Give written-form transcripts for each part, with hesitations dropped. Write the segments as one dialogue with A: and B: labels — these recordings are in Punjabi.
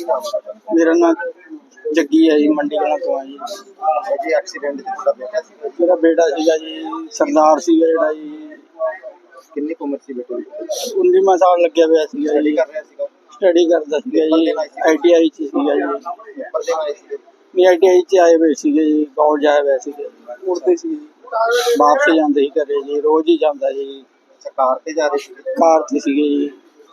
A: नाम है?
B: मेरा नाम जग्गी है जी, मंडी कलां तो जी।
A: जी एक्सीडेंट जिसका बेटा सी
B: मेरा बेटा सीगा जी, सरदार सीगा जेड़ा जी,
A: कितनी उम्र सी बेटे की?
B: 19वां साल लग्या होया सीगा
A: स्टडी
B: जी।
A: कर रहा सीगा?
B: स्टडी करदा सीगा जी, ITI च सीगा जी।
A: पेपर देना आए सी?
B: नहीं ITI च आए हुए सीगे जी, कॉलेज आए हुए सीगे, उड़ते सी वापस जांदे ही घरे जी, रोज ही जांदा जी।
A: अच्छा कार ते जा रहे सी?
B: कार ते सीगे जी,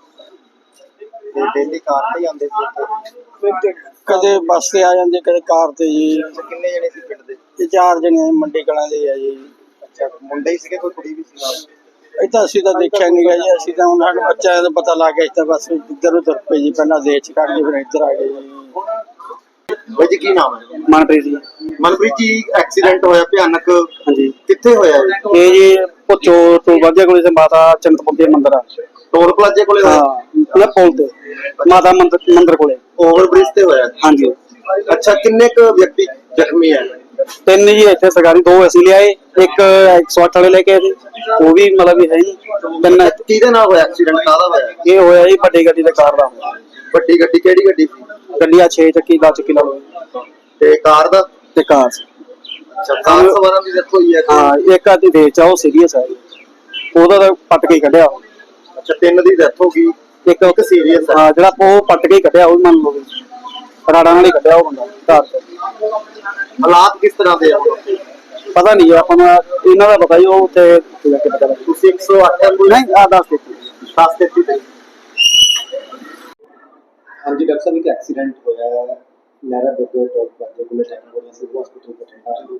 A: डेली कार ते ही आंदे सी?
B: कदे बस ते आ जांदे, कदे कार ते जी।
A: अच्छा किन्ने जने सी पिंड दे?
B: ये 4 जने मंडी कलां दे आ जी।
A: अच्छा मुंडे ही सीगे, कोई कुड़ी भी सी नाल?
B: ਇਹ ਤਾਂ ਅਸੀਂ ਤਾਂ ਦੇਖਿਆ ਨਹੀਂ ਗਾ ਜੀ, ਅਸੀਂ ਤਾਂ ਹੁਣ ਸਾਨੂੰ ਬੱਚਿਆਂ ਦਾ ਪਤਾ ਲੱਗ ਗਿਆ, ਅਸੀਂ ਤਾਂ ਬਸ ਇੱਧਰ ਉੱਧਰ ਪਏ ਜੀ, ਪਹਿਲਾਂ ਦੇਸ਼ ਚ ਕੱਢ ਕੇ ਫਿਰ ਇੱਧਰ ਆ ਗਏ ਜੀ।
A: भाई जी की नाम है?
B: ਮਨਪ੍ਰੀਤ ਜੀ।
A: मनप्रीत जी एक्सीडेंट होया भयानक,
B: ਹਾਂਜੀ
A: कित्थे होया है?
B: ਇਹ ਜੀ ਭੁੱਚੋ ਤੋਂ ਵਾਧਿਆ ਕੋਲੇ ਤੇ ਮਾਤਾ ਚਿੰਤਪੁਰਨੀ ਮੰਦਿਰ ਆ।
A: टोल प्लाजे कोले होया?
B: ਹਾਂ ਉਹਦਾ ਪੁਲ ਤੇ ਮਾਤਾ ਮੰਦਿਰ ਕੋਲੇ।
A: ओवर ब्रिज ते होया?
B: ਹਾਂਜੀ
A: अच्छा किन्ने क व्यक्ति जख्मी है?
B: 3 ਜੀ ਇੱਥੇ ਸਰਕਾਰੀ, 2 ਅਸੀਂ ਲਿਆਏ, ਇੱਕ 108 ਵਾਲੇ ਲੈ ਕੇ ਆਏ ਸੀ, ਉਹ ਵੀ ਮਤਲਬ ਵੀ ਹੈ ਜੀ। 3
A: किहदे नाल होया एक्सीडेंट, काहदा होया?
B: ਇਹ ਹੋਇਆ ਜੀ ਵੱਡੀ ਗੱਡੀ ਤੇ ਕਾਰ ਦਾ ਹੋਇਆ।
A: ਵੱਡੀ ਗੱਡੀ ਕਿਹੜੀ ਗੱਡੀ ਸੀ?
B: ਗੱਡੀ ਆ 6 ਚੱਕੀ 10 ਚੱਕੀ ਲਾ ਲਓ
A: ਤੇ ਕਾਰ ਦਾ?
B: ਤੇ ਕਾਰ ਸੀ।
A: ਅੱਛਾ ਕਾਰ ਸਵਾਰਾਂ ਦੀ ਡੈਥ ਹੋਈ ਹੈ?
B: ਹਾਂ ਇੱਕ ਆਦੀ ਦੇ ਚ ਉਹ ਸੀਰੀਅਸ ਹੈ ਜੀ, ਉਹਦਾ ਤਾਂ ਪੱਟ ਕੇ ਹੀ ਕੱਢਿਆ।
A: ਅੱਛਾ 3 ਦੀ ਡੈਥ ਹੋ ਗਈ, ਇੱਕ ਸੀਰੀਅਸ ਹੈ।
B: ਹਾਂ ਜਿਹੜਾ ਉਹ ਪੱਟ ਕੇ ਹੀ ਕੱਢਿਆ, ਉਹ ਮੰਨ ਲਓ ਰਾੜਾ ਨਾਲ ਹੀ ਕੱਢਿਆ ਉਹ ਬੰਦਾ ਕਾਰ ਤੋਂ।
A: ਹਾਲਾਤ ਕਿਸ ਤਰ੍ਹਾਂ ਦੇ ਆ?
B: ਪਤਾ ਨਹੀਂ ਆਪਾਂ ਨੂੰ ਇਹਨਾਂ ਦਾ ਪਤਾ ਹੀ, ਉਹ ਉੱਥੇ ਜਾ ਕੇ ਪਤਾ ਲੱਗਾ।
A: ਤੁਸੀਂ 108 ਐਂਬੂਲੈਂਸ
B: ਨਹੀਂ ਆ 10
A: ਦਿੱਤੀ ਤੇ? ਹਾਂਜੀ ਡਾਕਟਰ ਸਾਹਿਬ, ਇੱਕ ਐਕਸੀਡੈਂਟ ਹੋਇਆ ਹੈ ਲਹਿਰਾ ਬੱਗੇ ਟੋਲ ਪਲਾਜ਼ੇ ਕੋਲ technology civil hospital Bathinda.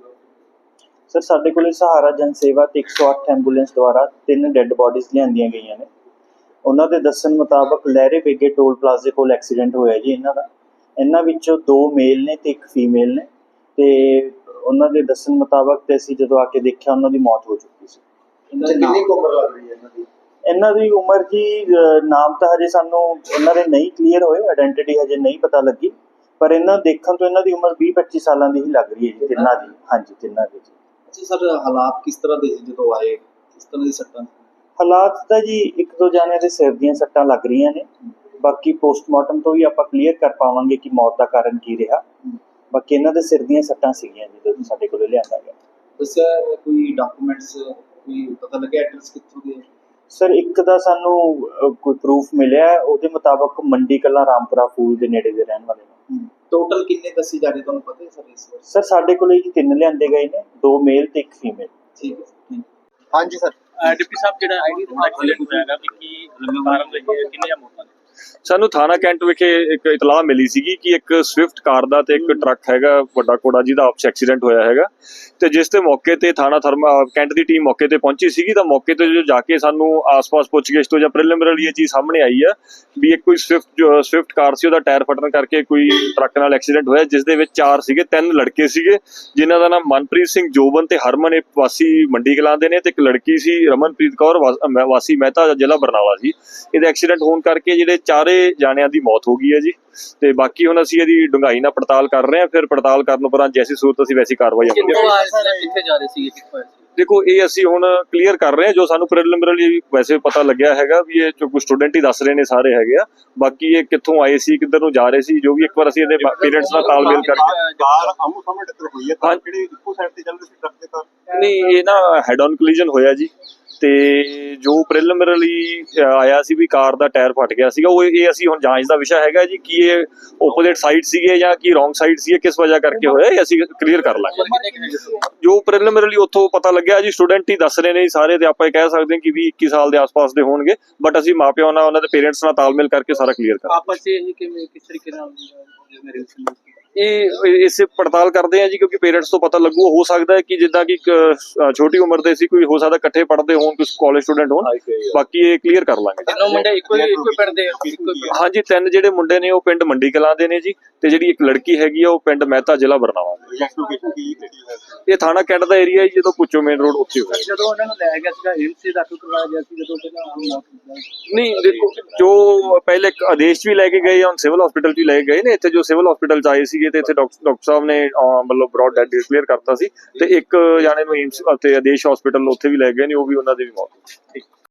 C: Sir ਸਾਡੇ ਕੋਲੇ ਸਹਾਰਾ ਜਨ ਸੇਵਾ ਤੇ 108 ਐਂਬੂਲੈਂਸ ਦੁਆਰਾ 3 ਡੈੱਡ ਬੋਡੀਜ਼ ਲਿਆਂਦੀਆਂ ਗਈਆਂ ਨੇ। ਉਹਨਾਂ ਦੇ ਦੱਸਣ ਮੁਤਾਬਕ ਲਹਿਰੇ ਬੇਗੇ ਟੋਲ ਪਲਾਜ਼ੇ ਕੋਲ ਐਕਸੀਡੈਂਟ ਹੋਇਆ ਜੀ ਇਹਨਾਂ ਦਾ। ਇਹਨਾਂ ਵਿੱਚੋਂ 2 ਮੇਲ ਨੇ ਤੇ 1 ਫੀਮੇਲ ਨੇ, ਤੇ ਉਹਨਾਂ ਦੇ ਦੱਸਣ ਮੁਤਾਬਕ ਤੇ ਅਸੀਂ ਜਦੋਂ ਆ ਕੇ ਦੇਖਿਆ ਉਹਨਾਂ ਦੀ ਮੌਤ ਹੋ ਚੁੱਕੀ ਸੀ।
A: ਕਿੰਨੀ ਉਮਰ ਲੱਗ ਰਹੀ ਹੈ ਇਹਨਾਂ ਦੀ?
C: ਇਹਨਾਂ ਦੀ ਉਮਰ ਜੀ ਨਾਮ ਤਾਂ ਹਜੇ ਸਾਨੂੰ ਇਹਨਾਂ ਦੇ ਨਹੀਂ ਕਲੀਅਰ ਹੋਏ, ਆਇਡੈਂਟੀਟੀ ਹਜੇ ਨਹੀਂ ਪਤਾ ਲੱਗੀ, ਪਰ ਇਹਨਾਂ ਦੇਖਣ ਤੋਂ ਇਹਨਾਂ ਦੀ ਉਮਰ 20-25 ਸਾਲਾਂ ਦੀ ਹੀ ਲੱਗ ਰਹੀ ਹੈ ਜੀ ਤਿੰਨਾਂ ਦੀ। ਹਾਂਜੀ ਤਿੰਨਾਂ ਦੀ ਜੀ।
A: ਅੱਛਾ ਸਰ ਹਾਲਾਤ ਕਿਸ ਤਰ੍ਹਾਂ ਦੇ ਸੀ ਜਦੋਂ ਆਏ, ਕਿਸ ਤਰ੍ਹਾਂ ਦੀ ਸੱਟਾਂ?
C: ਹਾਲਾਤ ਤਾਂ ਜੀ 1-2 ਜਾਣਿਆਂ ਦੇ ਸਿਰ ਦੀਆਂ ਸੱਟਾਂ ਲੱਗ ਰਹੀਆਂ ਨੇ, ਬਾਕੀ ਪੋਸਟਮਾਰਟਮ ਤੋਂ ਵੀ ਆਪਾਂ ਕਲੀਅਰ ਕਰ ਪਾਵਾਂਗੇ ਕਿ ਮੌਤ ਦਾ ਕਾਰਨ ਕੀ ਰਿਹਾ। ਬਾਕੀ ਇਹਨਾਂ ਦੇ ਸਿਰ ਦੀਆਂ ਸੱਟਾਂ ਸੀਗੀਆਂ ਜੀ ਜਦੋਂ ਸਾਡੇ ਕੋਲ ਲਿਆਂਦਾ ਗਿਆ।
A: ਦੱਸਿਆ ਕੋਈ ਡਾਕੂਮੈਂਟਸ, ਕੋਈ ਪਤਾ ਲੱਗਿਆ ਐਡਰੈਸ ਕਿੱਥੋਂ ਦੇ?
C: ਸਰ ਇੱਕ ਦਾ ਸਾਨੂੰ ਕੋਈ ਪ੍ਰੂਫ ਮਿਲਿਆ, ਉਹਦੇ ਮੁਤਾਬਕ ਮੰਡੀ ਕਲਾਂ ਰਾਮਪੁਰਾ ਫੂਲ ਦੇ ਨੇੜੇ ਦੇ ਰਹਿਣ ਵਾਲੇ ਨੇ।
A: ਟੋਟਲ ਕਿੰਨੇ ਦੱਸੀ ਜਾ ਰਹੇ ਤੁਹਾਨੂੰ ਪਤਾ ਹੈ ਸਰ ਇਸ ਵਾਰ?
C: ਸਰ ਸਾਡੇ ਕੋਲ ਜੀ 3 ਲਿਆਂਦੇ ਗਏ ਨੇ, 2 ਮੇਲ ਤੇ 1 ਫੀਮੇਲ।
A: ਠੀਕ ਹੈ। ਹਾਂਜੀ ਸਰ
D: ਡਿਪਟੀ ਸਾਹਿਬ ਜਿਹੜਾ ਆਈਡੀ ਦਾ ਐਕਸੀਡੈਂਟ ਹੋਇਆਗਾ ਕਿ ਕੀ ਕਾਰਨ ਰਹੀ ਹੈ, ਕਿੰਨੀਆਂ ਮੌਤਾਂ ਨੇ?
E: ਸਾਨੂੰ ਥਾਣਾ ਕੈਂਟ ਵਿਖੇ ਇੱਕ ਇਤਲਾਹ ਮਿਲੀ ਸੀਗੀ ਕਿ ਇੱਕ ਸਵਿਫਟ ਕਾਰ ਦਾ ਤੇ ਇੱਕ ਟਰੱਕ ਹੈਗਾ ਵੱਡਾ ਕੋੜਾ ਜਿਹਦਾ ਆਪਸ ਐਕਸੀਡੈਂਟ ਹੋਇਆ ਹੈਗਾ, ਤੇ ਜਿਸ ਤੇ ਮੌਕੇ ਤੇ ਥਾਣਾ ਕੈਂਟ ਦੀ ਟੀਮ ਮੌਕੇ ਤੇ ਪਹੁੰਚੀ ਸੀਗੀ। ਤਾਂ ਮੌਕੇ ਤੇ ਜੋ ਜਾ ਕੇ ਸਾਨੂੰ ਆਸ-ਪਾਸ ਪੁੱਛਗਿੱਛ ਤੋਂ ਜਾਂ ਪ੍ਰੀਲਿਮਿਨਰੀ ਇਹ ਚੀਜ਼ ਸਾਹਮਣੇ ਆਈ ਆ ਵੀ ਇੱਕ ਕੋਈ ਸਵਿਫਟ ਕਾਰ ਸੀ, ਉਹਦਾ ਟਾਇਰ ਫਟਣ ਕਰਕੇ ਕੋਈ ਟਰੱਕ ਨਾਲ ਐਕਸੀਡੈਂਟ ਹੋਇਆ, ਜਿਸ ਦੇ ਵਿੱਚ 4 ਸੀਗੇ, 3 ਲੜਕੇ ਸੀਗੇ ਜਿਨ੍ਹਾਂ ਦਾ ਨਾਮ ਮਨਪ੍ਰੀਤ ਸਿੰਘ, ਜੋਬਨ ਤੇ ਹਰਮਨ ਇਹ ਵਾਸੀ ਮੰਡੀ ਕਲਾਂ ਦੇ ਨੇ, ਤੇ ਇੱਕ ਲੜਕੀ ਸੀ ਰਮਨਪ੍ਰੀਤ ਕੌਰ ਵਾਸੀ ਮਹਿਤਾ ਜ਼ਿਲ੍ਹਾ ਬਰਨਾਲਾ ਸੀ। ਇਹਦਾ ਐਕਸੀਡੈਂਟ ਹੋਣ ਕਰਕੇ ਜਿਹੜੇ 4 ਜਾਣਿਆਂ ਦੀ ਮੌਤ ਹੋ ਗਈ ਹੈ ਜੀ, ਤੇ ਬਾਕੀ ਹੁਣ ਅਸੀਂ ਇਹਦੀ ਡੂੰਘਾਈ ਨਾਲ ਪੜਤਾਲ ਕਰ ਰਹੇ ਹਾਂ। ਫਿਰ ਪੜਤਾਲ ਕਰਨ ਉਪਰੰਤ ਜੈਸੀ ਸੂਰਤ ਅਸੀਂ ਵੈਸੀ ਕਾਰਵਾਈ
D: ਕਿੱਥੇ ਜਾ ਰਹੇ ਸੀ?
E: ਦੇਖੋ ਇਹ ਅਸੀਂ ਹੁਣ ਕਲੀਅਰ ਕਰ ਰਹੇ ਹਾਂ, ਜੋ ਸਾਨੂੰ ਪ੍ਰੀਲਿਮਿਨਰੀ ਵੈਸੇ ਪਤਾ ਲੱਗਿਆ ਹੈਗਾ ਵੀ ਇਹ ਜੋ ਕੁਝ ਸਟੂਡੈਂਟ ਹੀ ਦੱਸ ਰਹੇ ਨੇ ਸਾਰੇ ਹੈਗੇ ਆ। ਬਾਕੀ ਇਹ ਕਿੱਥੋਂ ਆਏ ਸੀ, ਕਿੱਧਰ ਨੂੰ ਜਾ ਰਹੇ ਸੀ, ਜੋ ਵੀ ਇੱਕ ਵਾਰ ਅਸੀਂ ਇਹਦੇ ਪੇਰੈਂਟਸ ਨਾਲ ਤਾਲਮੇਲ ਕਰਕੇ।
A: ਕਾਰ ਆਮੋ ਸਾਹਮਣੇ ਟੱਕਰ ਹੋਈ ਹੈ, ਕਾਰ ਕਿਹੜੀ ਇੱਕੋ ਸਾਈਡ ਤੇ ਚੱਲ ਰਹੀ ਸੀ ਟਰੱਕ ਦੇ ਕਾਰ?
E: ਨਹੀਂ ਇਹ ਨਾ ਹੈਡ ਔਨ ਕੋਲੀਜਨ ਹੋਇਆ ਜੀ, ਤੇ ਜੋ ਪ੍ਰੀਲਿਮਿਨਰੀ ਆਇਆ ਸੀ ਵੀ ਕਾਰ ਦਾ ਟਾਇਰ ਫਟ ਗਿਆ ਸੀਗਾ, ਉਹ ਇਹ ਅਸੀਂ ਹੁਣ ਜਾਂਚ ਦਾ ਵਿਸ਼ਾ ਹੈਗਾ ਜੀ ਕਿ ਇਹ ਓਪੋਜ਼ਿਟ ਸਾਈਡ ਸੀਗੇ ਜਾਂ ਕੀ ਰੋਂਗ ਸਾਈਡ ਸੀ, ਕਿਸ ਵਜ੍ਹਾ ਕਰਕੇ ਹੋਇਆ ਇਹ ਅਸੀਂ ਕਲੀਅਰ ਕਰ ਲਾਂਗੇ। ਜੋ ਪ੍ਰੀਲਿਮਿਨਰੀ ਉੱਥੋਂ ਪਤਾ ਲੱਗਿਆ ਜੀ, ਸਟੂਡੈਂਟ ਹੀ ਦੱਸ ਰਹੇ ਨੇ ਸਾਰੇ, ਤੇ ਆਪਾਂ ਇਹ ਕਹਿ ਸਕਦੇ ਹਾਂ ਕਿ 20-21 ਸਾਲ ਦੇ ਆਸ-ਪਾਸ ਦੇ ਹੋਣਗੇ, ਬਟ ਅਸੀਂ ਮਾਪਿਆਂ ਨਾਲ ਉਹਨਾਂ ਦੇ ਪੇਰੈਂਟਸ ਨਾਲ ਤਾਲਮੇਲ ਕਰਕੇ ਸਾਰਾ ਕਲੀਅਰ ਕਰਾਂਗੇ।
D: ਆਪਸ ਵਿੱਚ ਕਿਵੇਂ ਕਿਸ ਤਰੀਕੇ ਨਾਲ
E: ਇਹ ਇਸੇ ਪੜਤਾਲ ਕਰਦੇ ਆ ਜੀ, ਕਿਉਂਕਿ ਪੇਰੈਂਟਸ ਤੋਂ ਪਤਾ ਲੱਗੂ। ਹੋ ਸਕਦਾ ਹੈ ਕਿ ਜਿੱਦਾਂ ਕਿ ਛੋਟੀ ਉਮਰ ਦੇ ਸੀ, ਕੋਈ ਹੋ ਸਕਦਾ ਇਕੱਠੇ ਪੜ੍ਹਦੇ ਹੋਣ, ਕੁਝ ਕਾਲਜ ਸਟੂਡੈਂਟ ਹੋਣ, ਬਾਕੀ ਇਹ ਕਲੀਅਰ ਕਰ ਲਾਂਗੇ।
D: ਤਿੰਨੋਂ ਮੁੰਡੇ ਇੱਕੋ ਪਿੰਡ ਦੇ?
E: ਹਾਂਜੀ 3 ਜਿਹੜੇ ਮੁੰਡੇ ਨੇ ਉਹ ਪਿੰਡ ਮੰਡੀ ਕਲਾਂ ਦੇ ਨੇ ਜੀ, ਤੇ ਜਿਹੜੀ ਇੱਕ ਲੜਕੀ ਹੈਗੀ ਆ ਉਹ ਪਿੰਡ ਮਹਿਤਾ ਜ਼ਿਲ੍ਹਾ ਬਰਨਾਲਾ ਦੀ। ਇਹ ਥਾਣਾ ਕੈਂਟ ਦਾ ਏਰੀਆ ਹੈ, ਜਦੋਂ ਪੁੱਛੋ ਮੇਨ ਰੋਡ ਉੱਥੇ ਹੋਇਆ।
D: ਜਦੋਂ ਉਹਨਾਂ ਨੂੰ ਲੈ ਗਿਆ ਸੀਗਾ ਹਿਲਸੇ ਦਾਖਲ ਕਰਵਾਇਆ ਗਿਆ ਸੀ, ਜਦੋਂ ਪਹਿਲਾਂ
E: ਨਹੀਂ ਦੇਖੋ ਜੋ ਪਹਿਲੇ ਇੱਕ ਆਦੇਸ਼ ਵੀ ਲੈ ਕੇ ਗਏ, ਹੁਣ ਸਿਵਲ ਹਸਪੀਟਲ ਵੀ ਲੈ ਕੇ ਗਏ ਨੇ। ਇੱਥੇ ਜੋ ਸਿਵਲ ਹਸਪੀਟਲ ਚ ਆਏ ਸੀਗੇ ਤੇ ਇੱਥੇ ਡਾਕਟਰ ਸਾਹਿਬ ਨੇ ਮਤਲਬ ਬ੍ਰੌਡ ਡੈਡ ਡਿਕਲੇਅਰ ਕਰਤਾ ਸੀ, ਤੇ ਇੱਕ ਜਾਣੇ ਨੂੰ ਏਮਸ ਤੇ ਆਦੇਸ਼ ਹਸਪੀਟਲ ਉੱਥੇ ਵੀ ਲੈ ਗਏ ਨੇ, ਉਹ ਵੀ ਉਹਨਾਂ ਦੀ ਵੀ ਮੌਤ।